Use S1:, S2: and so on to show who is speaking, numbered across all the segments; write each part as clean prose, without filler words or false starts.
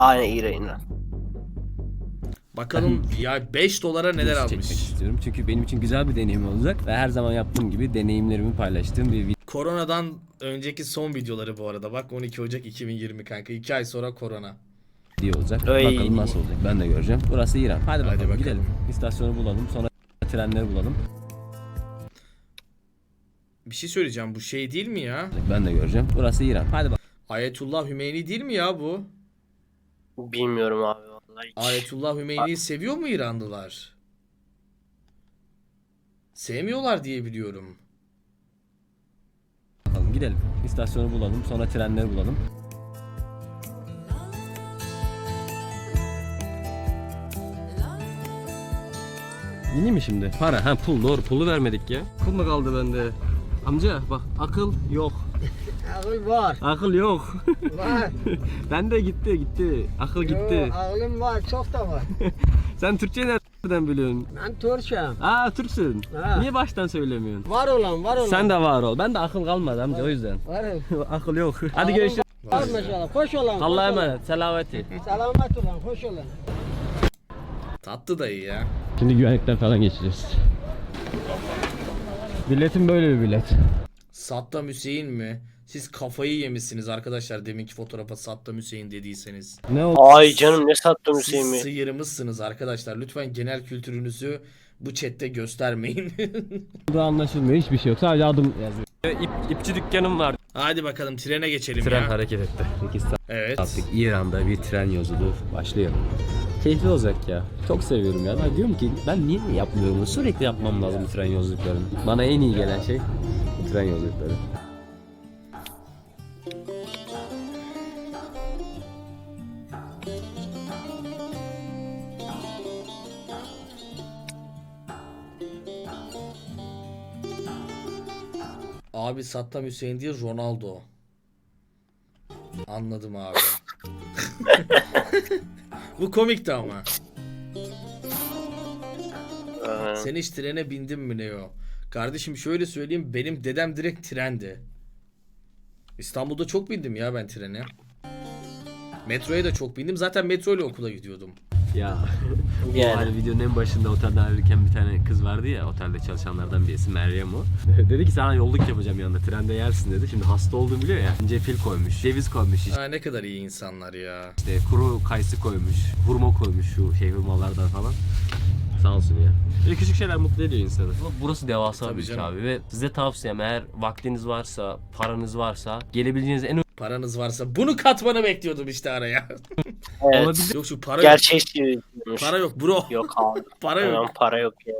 S1: Aynen İran.
S2: Bakalım ya 5 dolara neler
S3: Çekmek
S2: almış.
S3: istiyorum. Çünkü benim için güzel bir deneyim olacak. Ve her zaman yaptığım gibi deneyimlerimi paylaştığım bir
S2: Koronadan önceki son videoları bu arada. Bak 12 Ocak 2020 kanka. 2 ay sonra korona.
S3: video olacak.
S1: Ay.
S3: Bakalım nasıl olacak. Ben de göreceğim. Burası İran. Hadi bakalım,
S2: bakalım.
S3: gidelim. İstasyonu bulalım. Sonra trenleri bulalım.
S2: Bir şey söyleyeceğim, bu şey değil mi ya?
S3: Ben de göreceğim. Burası İran. Hadi bakalım.
S2: Ayetullah Hümeyni değil mi ya bu?
S1: Bilmiyorum abi vallahi hiç.
S2: Ayetullah Hümeyni'yi seviyor mu İranlılar? Sevmiyorlar diye biliyorum.
S3: Gidelim. İstasyonu bulalım. Sonra trenleri bulalım. Yeni mi şimdi? Para. Ha pul. Doğru. Pulu vermedik ya. Pul mu kaldı bende? Amca bak, akıl yok.
S4: Ağıl var.
S3: Akıl yok.
S4: Var.
S3: Bende gitti. Akıl gitti.
S4: Yo, ağılım var. Çok da var.
S3: Sen Türkçe nereden biliyorsun?
S4: Ben Türk'üm.
S3: Aa, Türksün.
S4: Ha.
S3: Niye baştan söylemiyorsun?
S4: Var olan.
S3: Sen de var ol. Ben de akıl kalmadı amca, o yüzden.
S4: Varım.
S3: Akıl yok. Hadi
S4: Ağılım
S3: görüşürüz.
S4: Var maşallah. Hoş olan.
S3: Allah'a
S4: hoş olan.
S3: emanet. Selameti.
S4: Selamet olan. Hoş olan.
S2: Tatlı dayı ya.
S3: Şimdi güvenlikten falan geçeceğiz. Biletim böyle bir bilet.
S2: Saddam Hüseyin mi? Siz kafayı yemişsiniz arkadaşlar, deminki fotoğrafa Saddam Hüseyin dediyseniz.
S3: Ne oldu?
S1: Ay canım ne sattım
S2: Siz
S1: Hüseyin mi?
S2: sıyırmışsınız arkadaşlar. Lütfen genel kültürünüzü bu chatte göstermeyin.
S3: Burada anlaşılmıyor. Hiçbir şey yok. Sadece adım yazıyor. İpçi dükkanım var.
S2: Hadi bakalım trene geçelim
S3: Tren
S2: ya.
S3: hareket etti. 8 saat
S2: Evet.
S3: artık İran'da bir tren yolculuğu başlıyor. Keyifli olacak ya. Çok seviyorum ya. Ben diyorum ki ben niye yapmıyorum bunu? Sürekli yapmam lazım bu tren yolculuklarını. Bana en iyi gelen şey bu tren yolculukları.
S2: Abi Saddam Hüseyin değil, Ronaldo. Anladım abi. Bu komikti ama. Sen hiç trene bindin mi Neo? Kardeşim şöyle söyleyeyim, benim dedem direkt trendi. İstanbul'da çok bindim ya ben trene. Metroya da çok bindim. Zaten metro ile okula gidiyordum.
S3: Ya
S1: Yani.
S3: hani videonun en başında otelden ayrılırken bir tane kız vardı ya, otelde çalışanlardan birisi, Meryem o. Dedi ki sana yolluk yapacağım yanında, trende yersin dedi. Şimdi hasta olduğumu biliyor ya. Ceviz koymuş, ceviz koymuş,
S2: Aa, ne kadar iyi insanlar ya.
S3: işte kuru kayısı koymuş, hurma koymuş, şu hurmalardan falan. Sağ olsun ya. Böyle küçük şeyler mutlu ediyor insanı. Burası devasa
S2: Tabii
S3: bir ülke
S2: canım.
S3: abi ve size tavsiyem, eğer vaktiniz varsa, paranız varsa, gelebileceğiniz en
S2: Paranız varsa bunu katmanı bekliyordum işte araya.
S1: Evet.
S3: olabilir.
S2: Yok şu para yok.
S1: Gerçekçi.
S2: Para yok bro.
S1: Yok abi.
S2: Para yok.
S1: Hemen para yok ya.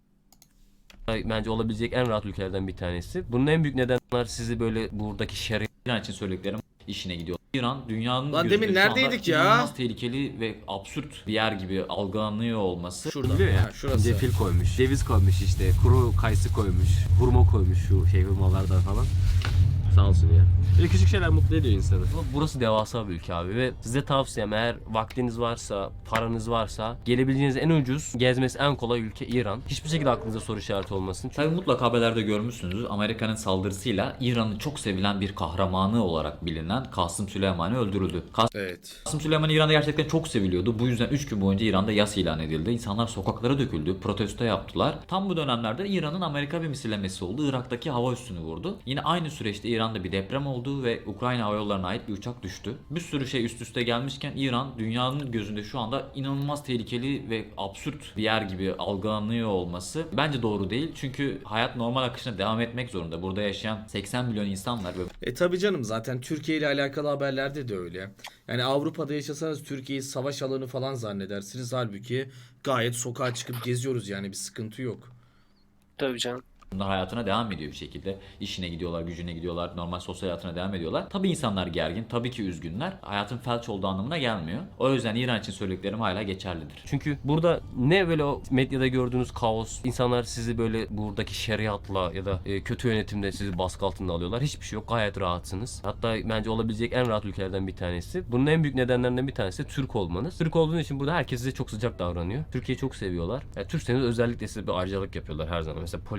S3: Bence olabilecek en rahat ülkelerden bir tanesi. Bunun en büyük nedenler sizi böyle buradaki şeriat
S5: İran için söylediklerim işine gidiyor. İran dünyanın
S2: Lan
S5: gözünde
S2: demin
S5: şu anda
S2: neredeydik ya?
S5: inanılmaz tehlikeli ve absürt bir yer gibi algılanıyor olması.
S2: Şurada.
S3: biliyor ya.
S2: Ha, şurası.
S3: Cefil koymuş, ceviz koymuş, işte kuru kayısı koymuş, hurma koymuş, şu hurmalardan falan. Sağ olsun ya. Böyle küçük şeyler mutlu ediyor insanı. Burası devasa bir ülke abi ve size tavsiyem, eğer vaktiniz varsa, paranız varsa, gelebileceğiniz en ucuz, gezmesi en kolay ülke İran. Hiçbir şekilde aklınıza soru işareti olmasın. Çünkü
S5: Tabii mutlaka haberlerde görmüşsünüzdür. Amerika'nın saldırısıyla İran'ın çok sevilen bir kahramanı olarak bilinen Kasım Süleymani öldürüldü.
S2: Evet.
S5: Kasım Süleymani İran'da gerçekten çok seviliyordu. Bu yüzden 3 gün boyunca İran'da yas ilan edildi. İnsanlar sokaklara döküldü, protesto yaptılar. Tam bu dönemlerde İran'ın Amerika bir misillemesi oldu. Irak'taki hava üssünü vurdu. Yine aynı süreçte İran'da bir deprem oldu ve Ukrayna Hava Yolları'na ait bir uçak düştü. Bir sürü şey üst üste gelmişken İran dünyanın gözünde şu anda inanılmaz tehlikeli ve absürt bir yer gibi algılanıyor olması bence doğru değil. Çünkü hayat normal akışına devam etmek zorunda. Burada yaşayan 80 milyon insan var ve
S2: Tabi canım, zaten Türkiye ile alakalı haberlerde de öyle. Yani Avrupa'da yaşasanız Türkiye'yi savaş alanı falan zannedersiniz. Halbuki gayet sokağa çıkıp geziyoruz, yani bir sıkıntı yok.
S1: Tabii canım.
S5: bunlar hayatına devam ediyor bir şekilde. İşine gidiyorlar, gücüne gidiyorlar, normal sosyal hayatına devam ediyorlar. Tabii insanlar gergin, tabii ki üzgünler. Hayatın felç olduğu anlamına gelmiyor. O yüzden İran için söylediklerim hala geçerlidir.
S3: çünkü burada ne böyle o medyada gördüğünüz kaos, insanlar sizi böyle buradaki şeriatla ya da kötü yönetimle sizi baskı altında alıyorlar. Hiçbir şey yok. Gayet rahatsınız. Hatta bence olabilecek en rahat ülkelerden bir tanesi. Bunun en büyük nedenlerinden bir tanesi de Türk olmanız. Türk olduğunuz için burada herkes size çok sıcak davranıyor. Türkiye'yi çok seviyorlar. Yani Türkseniz özellikle size bir ayrıcalık yapıyorlar her zaman. Mesela polis Türk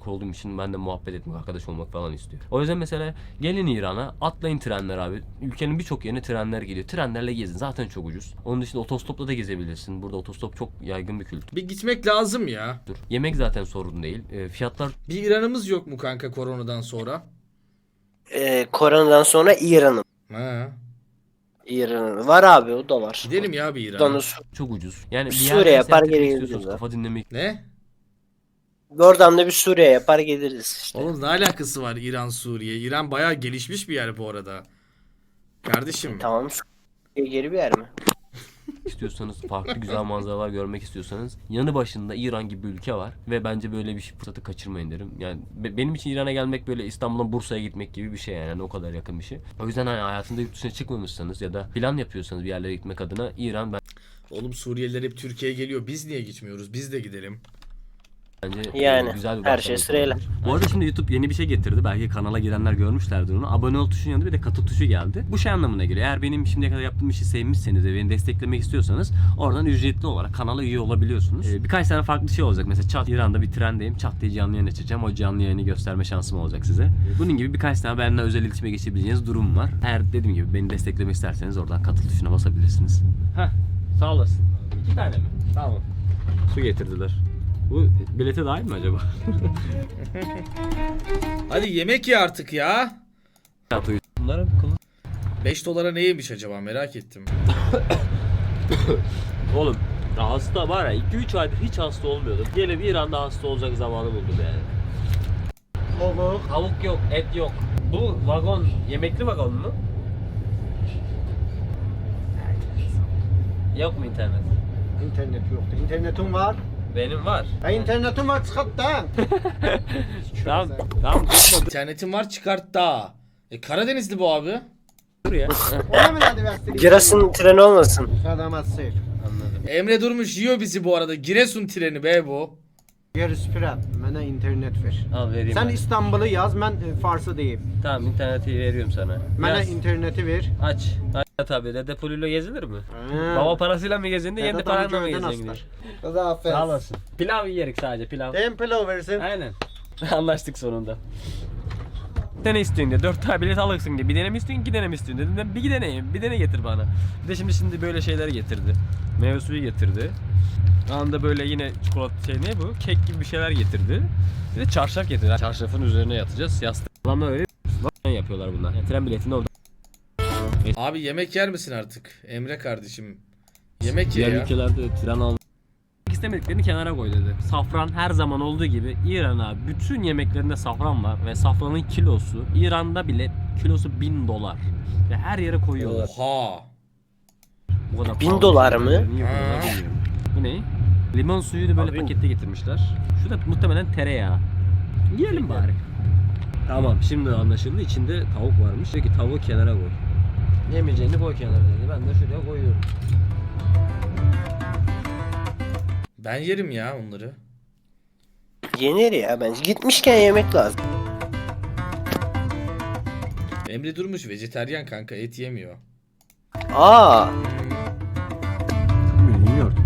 S3: olduğum için ben de muhabbet etmek, arkadaş olmak falan istiyorum. O yüzden mesela gelin İran'a, atlayın trenler abi. Ülkenin birçok yerine trenler geliyor. Trenlerle gezin. Zaten çok ucuz. Onun dışında otostopla da gezebilirsin. Burada otostop çok yaygın bir kültür.
S2: Bir gitmek lazım ya.
S3: Yemek zaten sorun değil. Fiyatlar
S2: Bir İran'ımız yok mu kanka koronadan sonra?
S1: Koronadan sonra İran'ın.
S2: Ha.
S1: İran'ın. Var abi, o da var.
S2: Gidelim ya bir İran'a.
S1: Donuz.
S3: çok ucuz. Yani bir
S1: Suriye
S3: yerde
S1: yapar,
S3: seyahat etmek
S1: geri
S3: istiyorsanız,
S1: geliriz
S3: kafa dinlemek
S2: Ne?
S1: Oradan da bir Suriye yapar geliriz işte.
S2: Oğlum ne alakası var İran Suriye? İran bayağı gelişmiş bir yer bu arada. Kardeşim.
S1: Tamam, Suriye geri bir yer mi?
S3: istiyorsanız, farklı güzel manzaralar görmek istiyorsanız yanı başında İran gibi bir ülke var ve bence böyle bir fırsatı kaçırmayın derim. Yani benim için İran'a gelmek böyle İstanbul'dan Bursa'ya gitmek gibi bir şey yani o kadar yakın bir şey. O yüzden hani hayatında yurt dışına çıkmamışsanız ya da plan yapıyorsanız bir yerlere gitmek adına İran
S2: Oğlum Suriyeliler hep Türkiye'ye geliyor. Biz niye gitmiyoruz? Biz de gidelim.
S3: bence
S1: Yani,
S3: güzel bir
S1: her
S3: başlangıç
S1: şey sırayla.
S3: olabilir. Bu arada şimdi YouTube yeni bir şey getirdi. Belki kanala girenler görmüşlerdir onu. Abone ol tuşunun yanında bir de katıl tuşu geldi. Bu şey anlamına geliyor. Eğer benim şimdiye kadar yaptığım işi sevmişseniz ve beni desteklemek istiyorsanız oradan ücretli olarak kanala üye olabiliyorsunuz. Birkaç tane farklı şey olacak. Mesela çat İran'da bir trendeyim. Çat diye canlı yayın açacağım. O canlı yayını gösterme şansım olacak size. Bunun gibi birkaç tane benimle özel iletişime geçebileceğiniz durum var. Eğer dediğim gibi beni desteklemek isterseniz oradan katıl tuşuna basabilirsiniz. Heh, sağ olasın. 2 tane mi? Tamam. Su getirdiler. Bu bilete dahil mi acaba?
S2: Hadi yemek ye artık ya.
S3: Bunlara
S2: 5 dolara ne yemiş acaba merak ettim.
S3: Oğlum hasta var ya 2-3 aydır hiç hasta olmuyordum. Gene bir İran'da hasta olacak zamanı buldum yani. Tavuk yok, et yok. Bu vagon yemekli vagon mu? Yok mu internet?
S4: İnternet yoktu. İnternetin var.
S3: Benim var.
S4: İnternetin var çıkart da.
S3: Tamam, tamam.
S2: İnternetim var çıkart da. Karadenizli bu abi.
S3: Dur ya.
S4: Ona mı hadi versin?
S1: Giresun treni olmasın.
S4: Sadamazsın.
S3: Anladım.
S2: Emre Durmuş yiyor bizi bu arada. Giresun treni be bu.
S4: Yer süpüren. Bana internet ver.
S3: Al vereyim.
S4: Sen
S3: ben.
S4: İstanbul'u yaz, ben Fars'ı diyeyim.
S3: Tamam interneti veriyorum sana.
S4: Bana
S3: Yaz.
S4: interneti ver.
S3: Aç. Aç tabii. Dede puluyla gezilir mi?
S4: Ha.
S3: Baba parasıyla mı gezindi, kendi paranla mı
S4: Köyden
S3: gezindi?
S4: aslar. Kıza affet.
S3: Sağ olasın. Pilav yiyerek sadece pilav.
S4: Dem pilav versin.
S3: Aynen. Anlaştık sonunda. Bir tane istiyorsun diye 4 tane bilet alırsın diye. Bir tane mi istiyorsun, 2 tane mi istiyorsun dedim. Bir deneyim, bir tane getir bana. Bir de şimdi böyle şeyler getirdi. Meyve suyu getirdi. Anında böyle yine çikolata ne bu? Kek gibi bir şeyler getirdi. Bir de çarşaf getirdi. Çarşafın üzerine yatacağız. Yastık. Ama öyle yapıyorlar bunlar. Yani tren biletini orada.
S2: Abi yemek yer misin artık? Emre kardeşim. Yemek ye
S3: Diğer
S2: ya.
S3: ülkelerde tren almak istemediklerini kenara koy dedi. Safran her zaman olduğu gibi İran'a bütün yemeklerinde safran var ve safranın kilosu İran'da bile kilosu 1000 dolar. Ve her yere koyuyorlar.
S2: Oha.
S3: Bu kadar
S1: 1000
S3: pahalı
S1: dolar
S3: şeyler
S1: mı?
S3: niye koyuyorlar
S2: Ha.
S3: bilmiyorum. Bu ne? Limon suyunu böyle
S1: Abi.
S3: pakette getirmişler. Şu da muhtemelen tereyağı. Yiyelim bari. Tamam şimdi anlaşıldı. İçinde tavuk varmış. Diyor ki tavuğu kenara koy. Yemeyeceğini koy kenara dedi. Ben de şuraya koyuyorum.
S2: Ben yerim ya onları.
S1: Yenir ya bence. Gitmişken yemek lazım.
S2: Emre Durmuş vejeteryan kanka, et yemiyor.
S1: Aa,
S3: Bilmiyorum.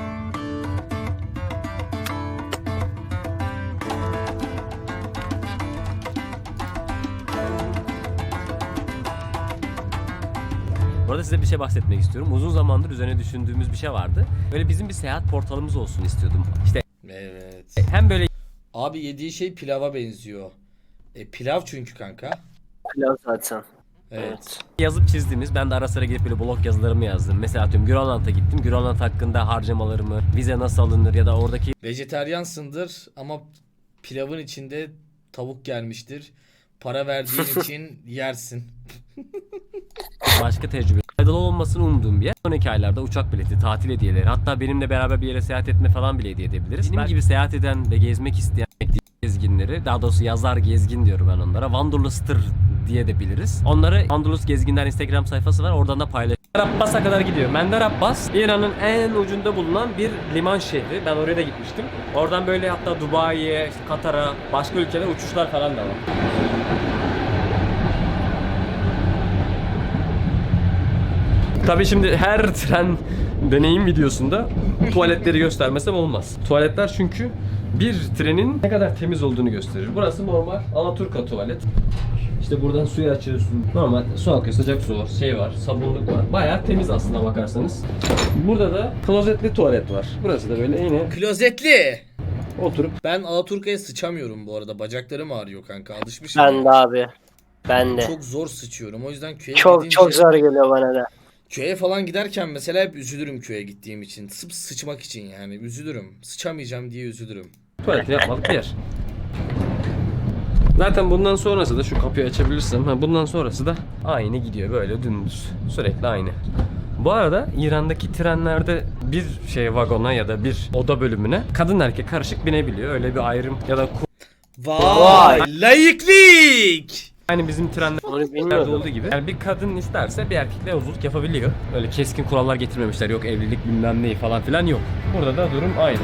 S3: Bu arada size bir şey bahsetmek istiyorum. Uzun zamandır üzerine düşündüğümüz bir şey vardı. Böyle bizim bir seyahat portalımız olsun istiyordum. İşte
S2: Evet.
S3: hem böyle
S2: Abi yediği şey pilava benziyor. Pilav çünkü kanka.
S1: pilav zaten.
S2: Evet.
S3: yazıp çizdiğimiz, ben de ara sıra gidip böyle blog yazılarımı yazdım. Mesela atıyorum Grönland'a gittim. Grönland hakkında harcamalarımı, vize nasıl alınır ya da oradaki
S2: Vejeteryansındır ama pilavın içinde tavuk gelmiştir. Para verdiğin için yersin.
S3: başka tecrübe faydalı olmasını umduğum bir yer. Sonraki aylarda uçak bileti, tatil hediyeleri, hatta benimle beraber bir yere seyahat etme falan bile hediye edebiliriz. Benim gibi seyahat eden ve gezmek isteyen gezginleri, daha doğrusu yazar gezgin diyorum ben onlara. Wanderlust'tır diye de biliriz. Onları Wanderlust Gezginler Instagram sayfası var. Oradan da paylaş. Abbas'a kadar gidiyor. Mender Abbas İran'ın en ucunda bulunan bir liman şehri. Ben oraya da gitmiştim. Oradan böyle hatta Dubai'ye, işte Katar'a, başka ülkelere uçuşlar falan da var. Tabii şimdi her tren deneyim videosunda tuvaletleri göstermesem olmaz. Tuvaletler çünkü bir trenin ne kadar temiz olduğunu gösterir. Burası normal Alaturka tuvalet. İşte buradan suyu açıyorsun. Normal su akıyor, sıcak su var, şey var, sabunluk var. Bayağı temiz aslına bakarsanız. Burada da klozetli tuvalet var. Burası da böyle yine
S2: Klozetli.
S3: oturup
S2: Ben Alaturka'ya sıçamıyorum bu arada. Bacaklarım ağrıyor kanka. Alışmışım.
S1: Ben de abi. Ben de.
S2: Çok zor sıçıyorum. O yüzden köye
S1: Çok
S2: gidince...
S1: çok zor geliyor bana da.
S2: Köye falan giderken mesela hep üzülürüm köye gittiğim için. Sırf sıçmak için yani. Üzülürüm. Sıçamayacağım diye üzülürüm.
S3: tuvaleti yapmalık bir yer. Zaten bundan sonrası da şu kapıyı açabilirsem, bundan sonrası da aynı gidiyor böyle dümdüz. Sürekli aynı. Bu arada İran'daki trenlerde bir şey vagona ya da bir oda bölümüne kadın erkek karışık binebiliyor. Öyle bir ayrım ya da
S2: Vay! Layıklık!
S3: aynı bizim
S1: Onu
S3: trenlerde
S1: bilmiyordum.
S3: olduğu gibi. Yani bir kadın isterse bir erkekle yolculuk yapabiliyor. Öyle keskin kurallar getirmemişler. Yok evlilik bilmem neyi falan filan yok. Burada da durum aynı.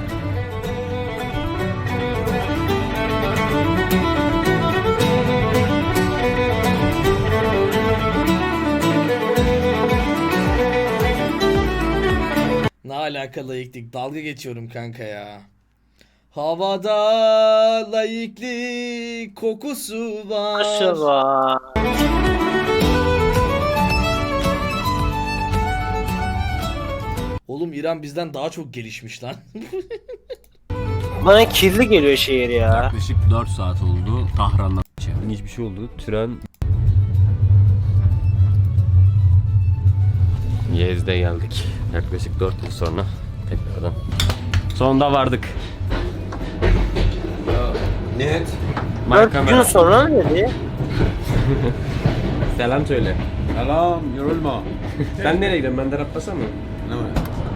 S2: Ne alaka layıklık? Dalga geçiyorum kanka ya. Havada layıklık kokusu var.
S1: Aşağı.
S2: Oğlum İran bizden daha çok gelişmiş lan.
S1: Bana kirli geliyor şehir ya.
S3: Yaklaşık 4 saat oldu Tahran'dan. İlginç bir şey oldu. Tren Yezde geldik. Yaklaşık 4 yıl sonra tekrardan. Sonunda vardık.
S4: Net.
S1: 4 gün sonra mı dedi?
S3: Selam söyle.
S4: Selam, yorulma.
S3: Sen nereye gidiyorsun? Ben de raplasam mı?
S4: Ne var?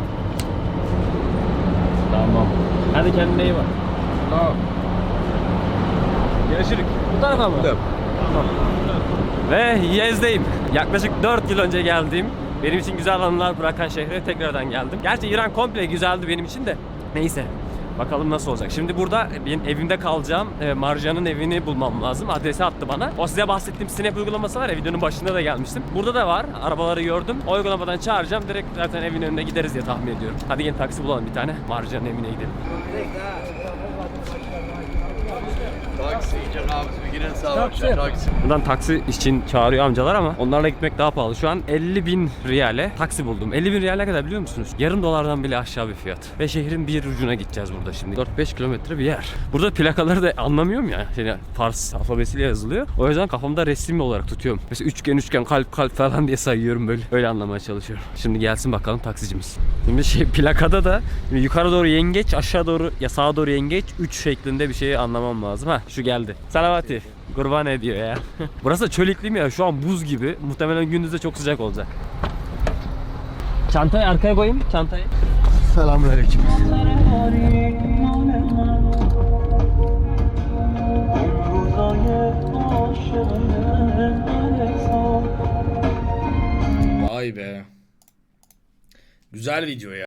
S3: Tamam. Hadi kendine iyi bak. Tamam. Görüşürük. Bu tarafa mı? Tamam. Ve Yez'deyim. Yaklaşık 4 yıl önce geldiğim, benim için güzel anılar bırakan şehre tekrardan geldim. Gerçi İran komple güzeldi benim için de. Neyse. Bakalım nasıl olacak. Şimdi burada benim evimde kalacağım. Marjan'ın evini bulmam lazım. Adresi attı bana. O size bahsettiğim Snap uygulaması var ya, videonun başında da gelmiştim. Burada da var. Arabaları gördüm. O uygulamadan çağıracağım. Direkt zaten evin önüne gideriz diye tahmin ediyorum. Hadi gelin taksi bulalım bir tane. Marjan'ın evine gidelim. Buradan taksi için çağırıyor amcalar ama onlarla gitmek daha pahalı. Şu an 50.000 riyale taksi buldum. 50.000 riyale kadar biliyor musunuz? Yarım dolardan bile aşağı bir fiyat. Ve şehrin bir ucuna gideceğiz burada şimdi. 4-5 kilometre bir yer. Burada plakaları da anlamıyorum ya. Yani Fars alfabesiyle yazılıyor. O yüzden kafamda resim olarak tutuyorum. Mesela üçgen kalp falan diye sayıyorum böyle. Öyle anlamaya çalışıyorum. Şimdi gelsin bakalım taksicimiz. Şimdi plakada da yukarı doğru yengeç, aşağı doğru ya sağa doğru yengeç 3 şeklinde bir şeyi anlamam lazım. Ha şu geldi. Salavati. Kurban ediyor ya. Burası çöl iklimi ya. Şu an buz gibi. Muhtemelen gündüzde çok sıcak olacak. Çantayı arkaya koyayım. Çantayı.
S4: Selamünaleyküm.
S2: Vay be. Güzel video ya.